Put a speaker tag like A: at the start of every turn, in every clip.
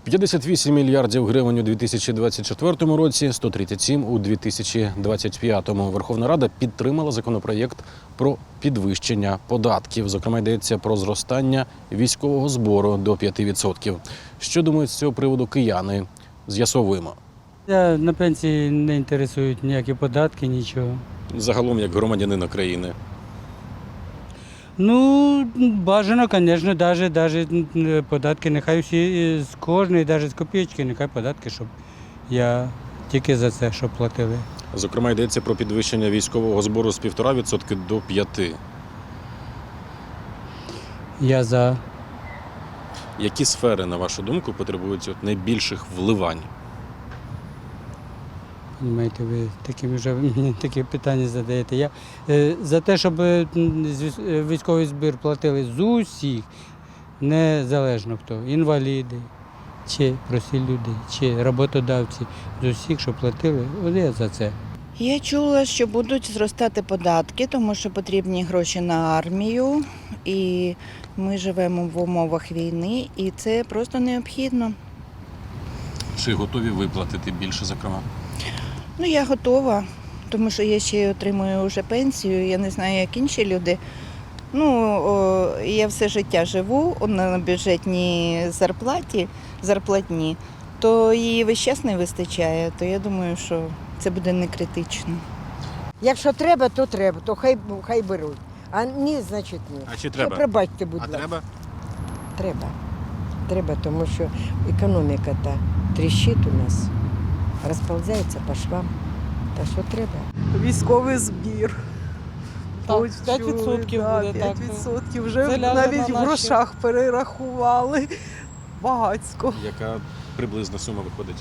A: 58 мільярдів гривень у 2024 році, 137 у 2025. Верховна Рада підтримала законопроєкт про підвищення податків. Зокрема, йдеться про зростання військового збору до 5%. Що думають з цього приводу кияни? З'ясовуємо.
B: Я на пенсії не інтересують ніякі податки, нічого.
A: Загалом, як громадянин України.
B: Ну, бажано, звісно, навіть податки, нехай всі з кожної, навіть з копійки, нехай податки, щоб я тільки за це, щоб платили.
A: Зокрема, йдеться про підвищення військового збору з 1,5% до 5%.
B: Я за.
A: Які сфери, на вашу думку, потребують найбільших вливань?
B: Понимаєте, ви мені такі питання задаєте. Я за те, щоб військовий збір платили з усіх, незалежно хто, інваліди, чи прості люди, чи роботодавці, з усіх, щоб платили, от я за це.
C: Я чула, що будуть зростати податки, тому що потрібні гроші на армію, і ми живемо в умовах війни, і це просто необхідно.
A: Чи готові виплатити більше, зокрема?
C: Ну, я готова, тому що я ще отримую вже пенсію, я не знаю, як інші люди. Я все життя живу на бюджетній зарплатні, то її весь час не вистачає, то я думаю, що це буде не критично.
D: Якщо треба, то треба, то хай беруть. А ні, значить ні.
A: А чи треба?
D: Що, пробачте, будь ласка.
A: треба?
D: Треба. Треба, тому що економіка та тріщить у нас, розповзається по швам. Та що треба?
E: Військовий збір.
F: Так,
E: Будь
F: 5%
E: чули,
F: буде, так.
E: 5%. Вже
F: Це ляже
E: навіть
F: на
E: в
F: наші.
E: грошах перерахували. Багацько.
A: Яка приблизна сума виходить?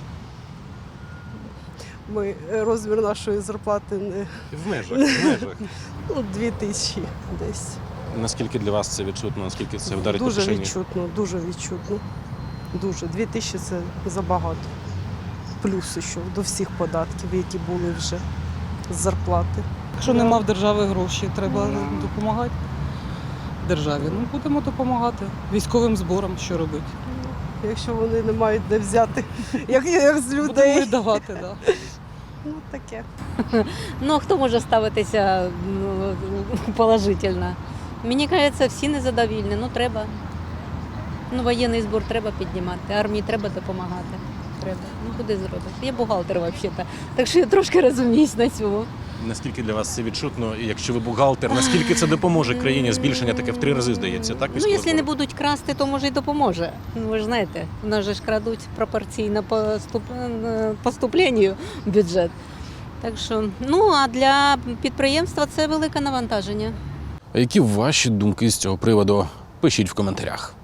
E: Ми розмір нашої зарплати не
A: В межах.
E: 2000 десь.
A: Наскільки для вас це відчутно, наскільки це вдарить по
E: Дуже
A: кишені?
E: відчутно, дуже відчутно. Дуже. 2000 це забагато. Плюс ще до всіх податків, які були вже з зарплати.
F: Якщо нема в держави гроші, треба допомагати державі. Ну, будемо допомагати військовим зборам, що робити.
E: Якщо вони не мають де взяти, як з
F: Будемо
E: людей.
F: віддавати, так. Да.
E: Ну таке.
G: Ну, а хто може ставитися положительно? Мені кажеться, всі незадовільні. Ну, треба. Ну, воєнний збір треба піднімати, армії треба допомагати. Треба. Ну, куди зробити? Я бухгалтер взагалі-то, так що я трошки розуміюсь на цьому.
A: Наскільки для вас це відчутно? І якщо ви бухгалтер, наскільки це допоможе країні? Збільшення таке в 3 рази, здається, так?
G: Ну,
A: військового
G: якщо не
A: збору?
G: будуть красти, то може й допоможе. Ну, ви ж знаєте, у нас же ж крадуть пропорційно поступленню в бюджет. Так що, ну, а для підприємства це велике навантаження.
A: А які ваші думки з цього приводу? Пишіть в коментарях.